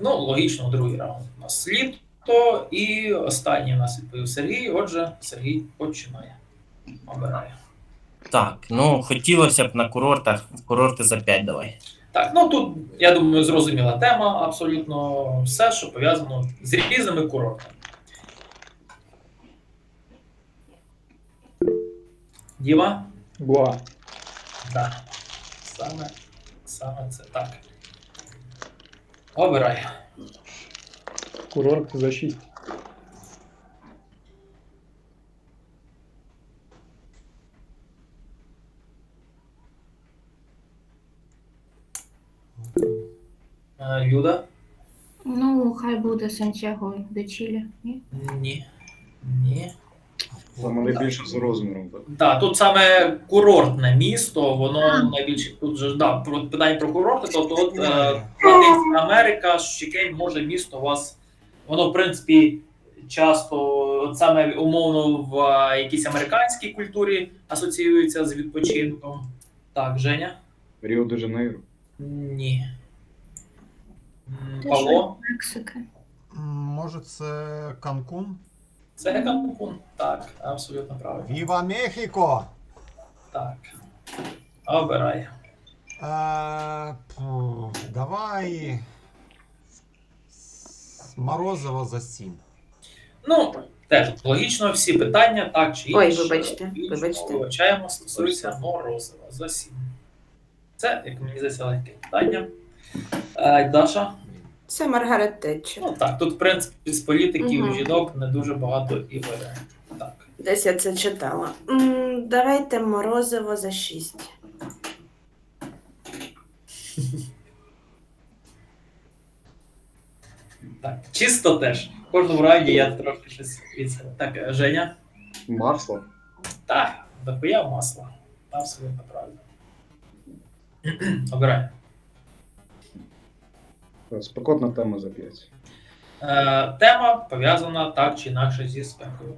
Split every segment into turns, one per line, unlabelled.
ну, логічно, другий раунд у нас літо, і останній у нас відповів Сергій. Отже, Сергій починає. Обирає.
Так, ну хотілося б на курортах. Курорти за 5 давай.
Так, ну тут, я думаю, зрозуміла тема, абсолютно все, що пов'язано з різними курортами. Діма?
Гоа.
Так. Саме це так. Обирай.
Курорт за 6.
Люда?
Ну, хай буде Сантьяго де Чилі. Ні?
Ні.
Саме найбільше за розміром, так?
Так, тут саме курортне місто, воно найбільше тут же питання про курорти, тобто от Латинська Америка, Шікень, може місто у вас, воно в принципі часто от саме умовно в якійсь американській культурі асоціюється з відпочинком. Так, Женя?
Ріо-де-Жанейро.
Ні.
Те,
Павло?
що Мексика.
Може, це Канкун?
Це Канкун. Так, абсолютно правильно.
Віва Мехіко!
Так. Обирай.
Давай. Морозово за 7.
Ну, теж логічно, всі питання, так чи
Ой,
інше.
вибачте, вибачте.
Вивчаємо, стосується Морозова за 7. Це, як мені здається, легке питання. Даша?
Це Маргарет Тетчер.
Ну так, тут, в принципі, з політиків
Мгм.
жінок не дуже багато і варіантів. Так.
Десь я це читала. Давайте Морозиво за 6.
Так, чисто теж. В кожному раунді я трошки щось від себе. Так, Женя?
Масло.
Так, дохуя масла. Абсолютно правильно. Обирай.
Спекотна тема за 5.
Тема пов'язана так чи інакше зі спекою.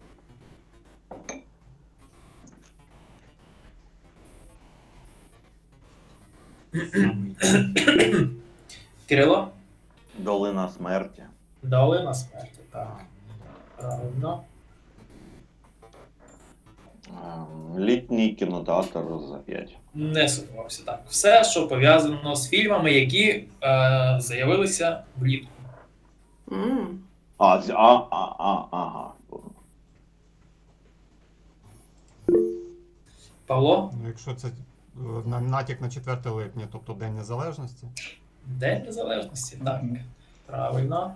Кирило?
Долина смерті.
Долина смерті, так. Правильно.
Літній кінотеатр за 5.
Не сумнівався. Так. Все, що пов'язано з фільмами, які з'явилися влітку.
Ага.
Павло?
Ну, якщо це натяк на 4 липня, тобто День Незалежності.
День Незалежності, так. Правильно.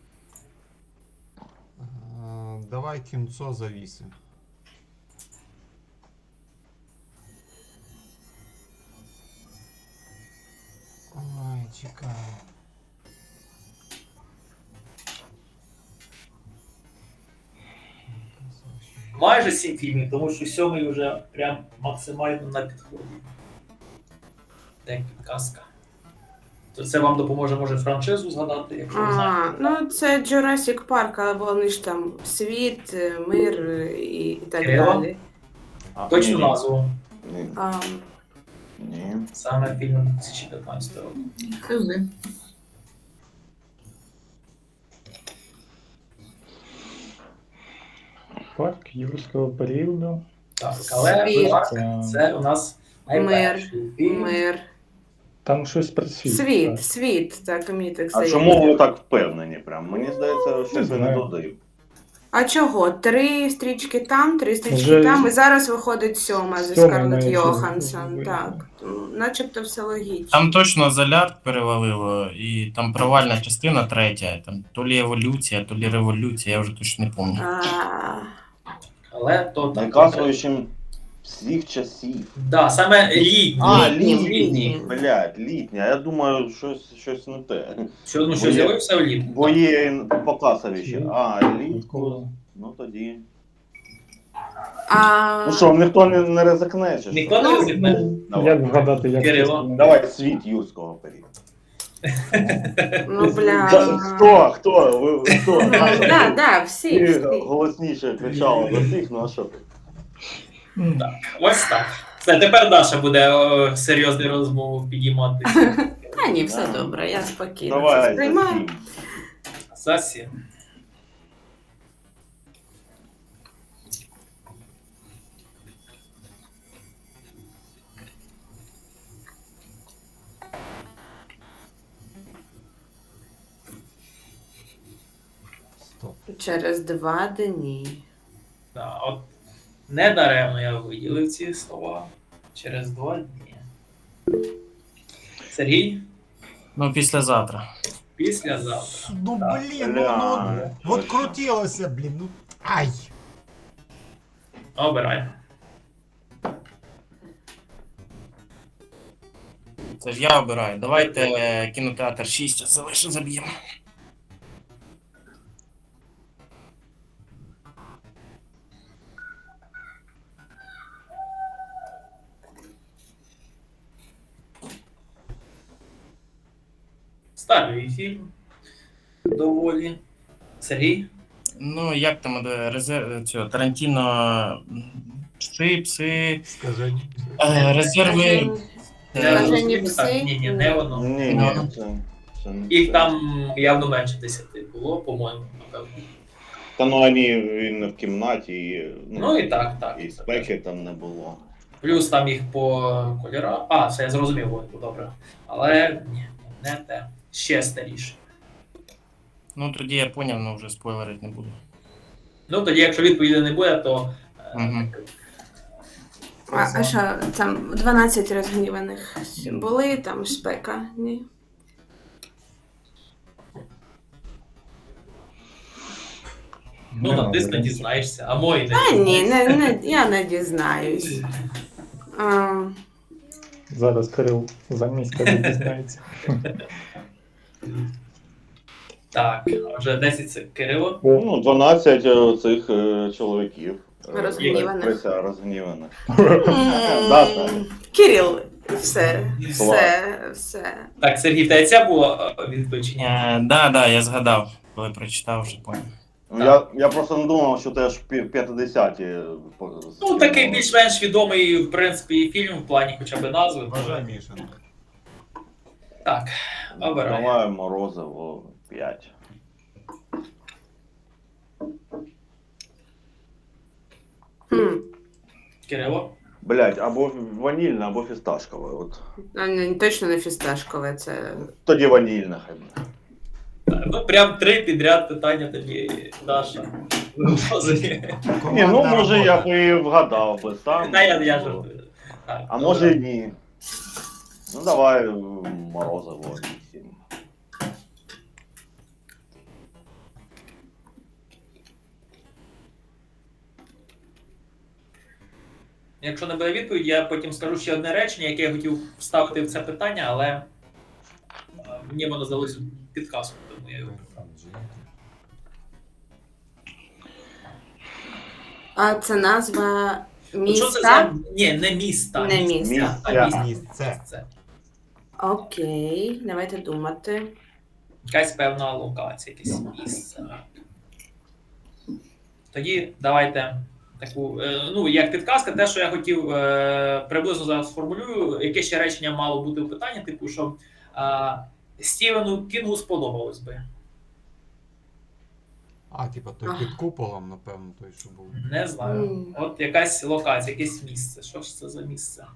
Давай кінцо за 8. Ой, чекай.
Майже 7 фільмів, тому що 7 вже прям максимально на підході. Як підказка. То це вам допоможе, може, франшизу згадати, якщо ви знаєте.
Ну, це Jurassic Park, але вони ж там світ, мир і так
Кирило?
далі.
Точну назву.
Ні.
А,
Ні.
Саме фільм 2015 року.
Хизи.
Парк юрського періоду.
Так, але
Світ.
парк це у нас найперший фільм.
мир.
Там щось про світ.
Світ, так, мені так
А
здається.
чому ви так впевнені? Прям? Мені здається, що ви не
знаю.
додаю.
А чого? 3 стрічки там, 3 стрічки
Вже
там, і зараз виходить 7 зі
сьома
Скарлетт
навіть
Йоханссон.
вийде.
Так, начебто все логічно.
Там точно Золяр перевалило, і там провальна частина 3. Там то лі еволюція, то лі революція, я вже точно не пам'ятаю.
Але то так.
Найказуючим всіх часів.
Да, саме літній.
Літній.
Блядь, літня. Я думаю, щось не те.
Що, ну, що
Бо є-
з'явився влітку.
Бо є показові ще. Літку.
Відколи?
Ну тоді.
А...
Ну що, ніхто не ризикне, чи що?
Ніхто не ризикне.
Давай.
Як вгадати, як
Кирило.
це?
Давай світ юрського періоду.
Ну, бля.
Хто? Ви хто?
Да, всі.
Ти голосніше кричала до всіх, ну а що ти?
Ось так. Все, тепер Даша буде серйозну розмову підіймати.
Та ні, все
Да.
добре, я спокійно це
Давай, за
сприймаю.
7.
За 7.
Стоп.
Через 2 дні.
Да, от недаремно я виділив ці слова. Через 2 дні. Сергій,
Ну, післязавтра.
післязавтра.
Ну
Так.
блін,
Бля,
от
точно.
крутилося, блін, ну. Ай!
Обирай.
Це ж я обираю. Давайте кінотеатр 6, а це лише заб'ємо.
Старий фільм. Доволі. Сергій?
Ну, як там резерв цього Тарантіно. Пси.
Скажи.
Резерви.
Скажені
Так,
пси?
ні, не воно.
Ні,
Ну.
це не
Їх
це.
там явно менше 10 було, по-моєму, напевно.
Та ну він не в кімнаті, і,
Ну і так.
і спеки там не було.
Плюс там їх по кольорах. А, це я зрозумів, Войку, добре. Але ні, не те. Ще старіше.
Ну, тоді я поняв, але вже спойлерити не буду.
Ну, тоді, якщо відповіді не буде, то.
Мгм.
А що, там 12 розгніваних були, там спека, ні?
Ну, натисни, дізнаєшся. А мої
Та
не
ні, я не дізнаюсь. А,
Зараз Кирил за місяць дізнається.
Так, вже 10 це Кирило.
О,
Ну, 12 цих чоловіків.
Розгніваних.
Прися розгніваних.
м,
Да.
Кирил, все.
Так, Сергій, в тебе ця була відповідь чи ні?
Да, я згадав, коли прочитав, вже поняв.
Ну, я просто не думав, що теж 50-ті.
Ну, такий більш-менш відомий, в принципі, фільм в плані хоча б назви.
Бажай, Міша.
Так, обирай.
Давай Морозиво 5.
Хм.
Кирило.
Блять, або ванільне, або фісташкове. От.
Точно не фісташкове, це.
Тоді ванільне хай буде.
Ну, прям 3 підряд питання тобі, Даша.
Ні, ну може я б і вгадав би сам.
Та я жартую. Так,
А може і ні. Ну давай Морозиво 8.
Якщо не буде відповідь, я потім скажу ще одне речення, яке я хотів вставити в це питання, але мені воно здалося підказкою, тому я його.
А це назва
Ну, що це
міста?
за. Ні, не міста.
Не міста.
а
Місця.
Місце.
Окей, давайте думати.
Якась певна локація, якесь місце. Тоді давайте таку, ну, як підказка, те, що я хотів приблизно зараз сформулюю, яке ще речення мало бути в питанні, типу, що Стівену Кінгу сподобалось би.
А, типа той під куполом, напевно, той, що був.
Не знаю.
Мгм.
От якась локація, якесь місце. Що ж це за місце?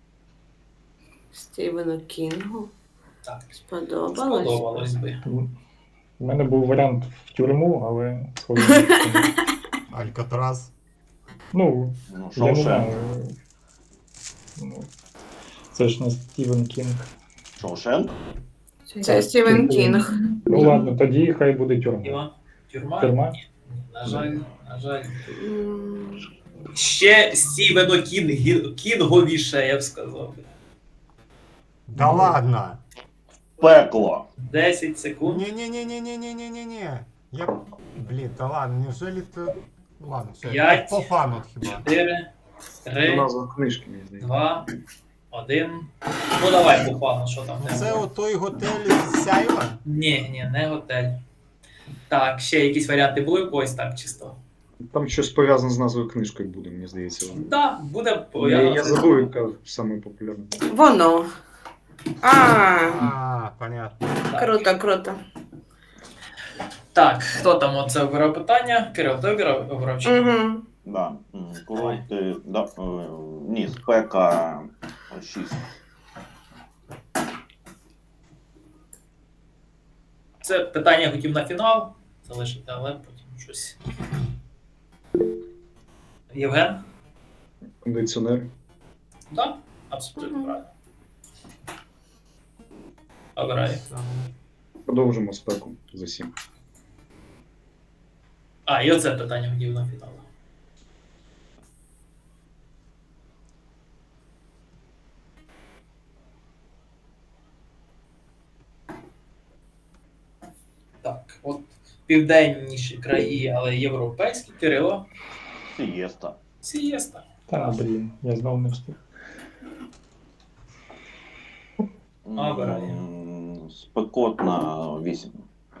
Стівену Кінгу.
Так,
Сподобалось.
сподобалось би.
у мене був варіант в тюрму, але схоже.
Алькатрас.
Ну,
Ну,
я не
Шоушенк.
знаю. Ну, це ж не Стівен Кінг.
Шоушенк?
Це Стівен Кінг.
Ну ладно, тоді хай буде тюрма.
Тюрма? Тюрма?
Тюрма?
Ні, на жаль, на жаль.
М,
Ще Стівено Кінговіше, я б сказав.
Да ладно!
Пекло.
10 секунд.
Ні-ні-ні-ні-ні-ні-ні-ні. Я... Блін, да ладно, неужели ти... Ладно, все,
5.
по фану хіба.
4,
Це
3,
назва книжки, мені здається.
2, 1. Ну давай, Бухану, що там?
Ну, це отой готель з Сяйва?
Ні, не готель. Так, ще якісь варіанти були в когось так чисто.
Там щось пов'язане з назвою книжкою буде, мені здається.
Так, буде.
Я забув, яка саме популярна.
Воно. А,
А, понятно.
Так.
Круто, круто.
Так, хто там оце обирав питання? Кирил, ти обирав чи? ні?
Угу.
Да. Курорти, да, ні, спека 6.
Це питання я хотів на фінал залишити, але потім щось. Євген?
Кондиціонер.
Так, абсолютно правильно. Обираю.
Продовжимо спеку за 7.
А, і оце питання хотів на фінал. Так, от південніші краї, але європейські, Кирило,
Сієста.
сієста.
Та, блін, я знову не встиг.
Обираю.
Спекотна 8.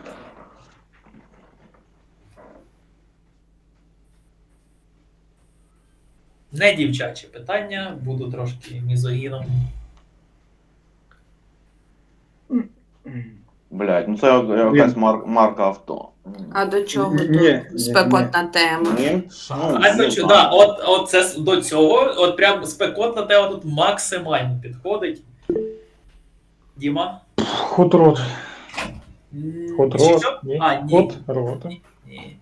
Не дівчачі питання, буду трошки мізогіном.
Блять, ну це якась марка авто.
А до чого
Ні,
тут спекотна тема?
Ні?
Шар.
А
не
до чого?
знаю.
Да, от це до цього, от прям спекотна тема тут максимально підходить. Діма?
Хот-рот.
Чи
Хот-рот.
що?
Ні.
А, ні.
Хот-рот.
Ні.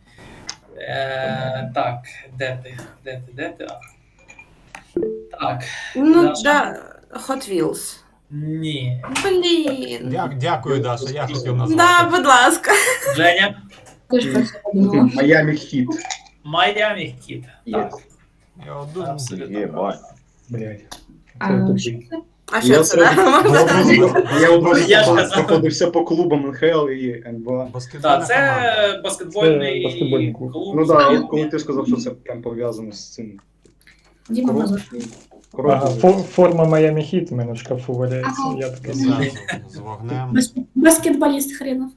Так, де ти? А. Так,
Ну,
Даша?
да, Hot Wheels.
ні.
Блін.
Дякую, Даша, я хотів назвати.
Да, будь ласка.
Женя?
Ти ж про це подумала.
Майами Хіт.
Майами Кіт. Так,
Я от думав,
абсолютно.
Єбать.
Блядь.
А,
Це
що
тупий.
це?
А що це? Да?
Я одразу
Я ж казав.
проходився по клубам НХЛ і НБА.
баскетбольна
Так, це
команда.
баскетбольний
Це баскетбольний клуб.
клуб.
Ну так, да, коли ти сказав, що це прям пов'язано з цим.
Діма Мазур.
Ага, форма Майами Хіт у мене в шкафу валяється.
Ага.
Я такий
Зразу
собі.
з вогнем.
Баскетболіст хренов.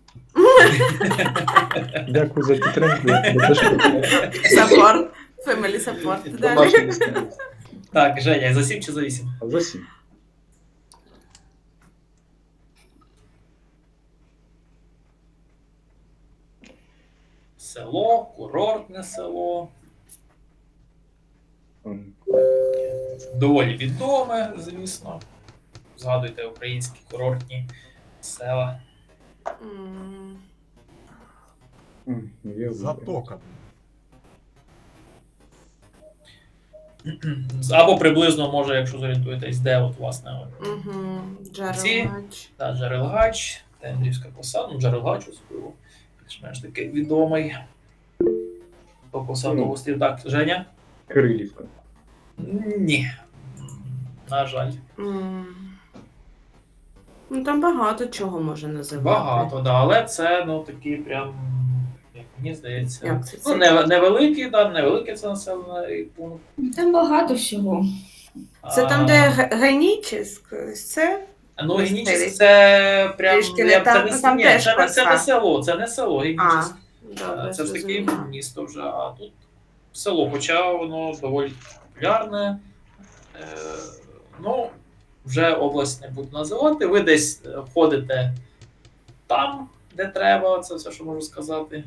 Дякую за підтримку. Я тебе теж підтримую.
Support. Family support. Далі.
Домашній місце.
Так, Женя, за 7 чи за 8?
А за 7.
Село, курортне село. Доволі відоме, звісно. Згадуйте українські курортні села.
М.
Затока.
Або приблизно, може, якщо зорієнтуєтесь, де от, власне, от,
Мгм.
Ці?
Джерелач.
та, Джерелгач, Тендрівська посада, ну, Джерелгач, особливо, більш-менш такий відомий. По посаду острів. Так, Женя?
Кирилівка.
Ні. На жаль.
М. Ну там багато чого може називати.
Багато, да, але це, ну, такий прям, як мені здається,
Як це?
ну, невеликий, да, невеликий це населений пункт.
Там багато всього.
Це там, де Гайнічіс? Це?
Ну, Генічіс це прям,
Трішки не
це
там,
не,
там
ні,
теж
це не
краса.
село, це не село,
А,
Генічіс.
добре,
Це ж таки
зрозуміла.
місто вже, а тут село, хоча воно доволі популярне. Е, ну, вже область не буду називати. Ви десь ходите там, де треба, це все, що можу сказати.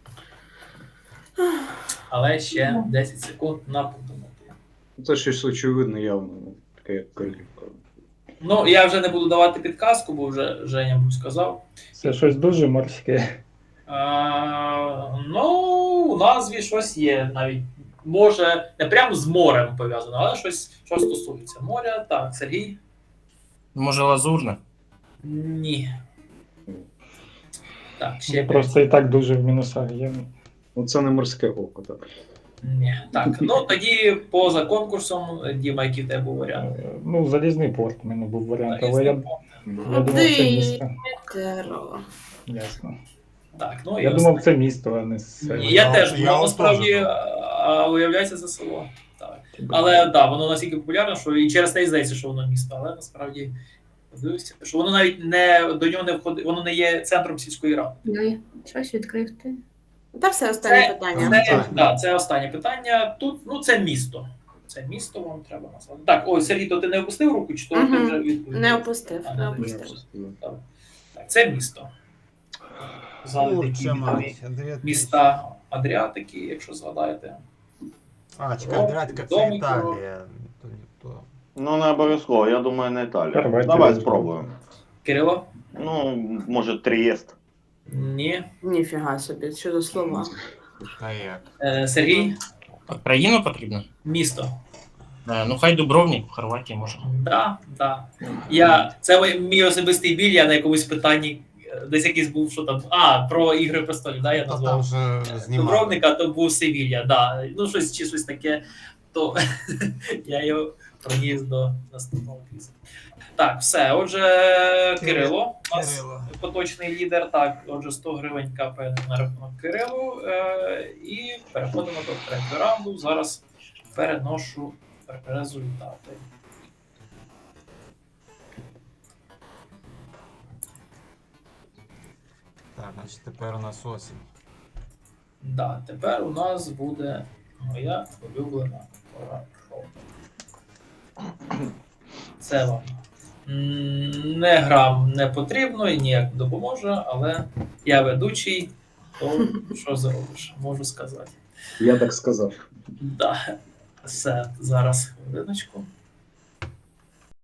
Але ще 10 секунд на подумати.
Це щось очевидне явно, ну, таке як Кирилівка.
Ну, я вже не буду давати підказку, бо вже Женя був сказав.
Це щось дуже морське.
Ну, у назві щось є навіть. Може, не прямо з морем пов'язано, але щось, що стосується моря. Так, Сергій?
Може, лазурне?
Ні. Так, ще
Просто і так дуже в мінусах є.
Ну це не морське око, так.
Ні. Так, ну тоді поза конкурсом, Діма, який в тебе був варіант?
Ну, залізний порт у мене був варіант, але
Залізний
я
порт.
думав, це місто.
Теро.
Ясно.
Так, ну і
Я думав, це місто, а не село.
Ні, я теж,
Я
воно
от
насправді
теж,
виявляється за село. Так. Але так, да, воно настільки популярне, що і через те й здається, що воно місто, але насправді подивився, що воно навіть не до нього не входить, воно не є центром сільської ради.
Ой, щось відкрив ти.
Та все останнє
Це,
питання.
це останнє питання. Тут, ну, це місто. Це місто вам треба назвати. Так, ой, Сергій, то ти не опустив руку, чи то ти
Мгм.
вже відповів?
Не опустив,
А,
не
не
опустив.
Добре. Так, це місто. Згадуйте, які
Курча
відомі
мать. Адриатич.
міста Адріатики, якщо згадаєте.
А, чекай, Адриатика це
Домик,
Італія. То не то.
Ну, не обов'язково, я думаю, не Італія.
Хорватія,
Давай
да.
спробуємо.
Кирило?
Ну, може, Трієст.
Ні.
Ніфіга собі, що за слова.
Та як?
Сергій?
Країну потрібно?
Місто.
Ну хай Дубровник, в Хорватії може.
Да. Це мій особистий біль, я на якомусь питанні десь якийсь був, що там. Про Ігри престолів, да, я
Та там
назвав.
же знімали.
Дубровника, то був Севілья, да. Ну, щось таке, то я його проніс до наступного квізу. Так, все. Отже, Кирило, у нас
Кирило.
поточний лідер. Так, отже, 100 гривень капає на рахунок Кирилу. І переходимо до третього раунду. Зараз переношу результати.
Так, значить тепер у нас осінь.
Да, тепер у нас буде моя улюблена пора шоу. Це вам не грам не потрібно і ніяк не допоможе, але я ведучий, то що зробиш, можу сказати.
Я так сказав.
Да. Все, зараз хвилиночку.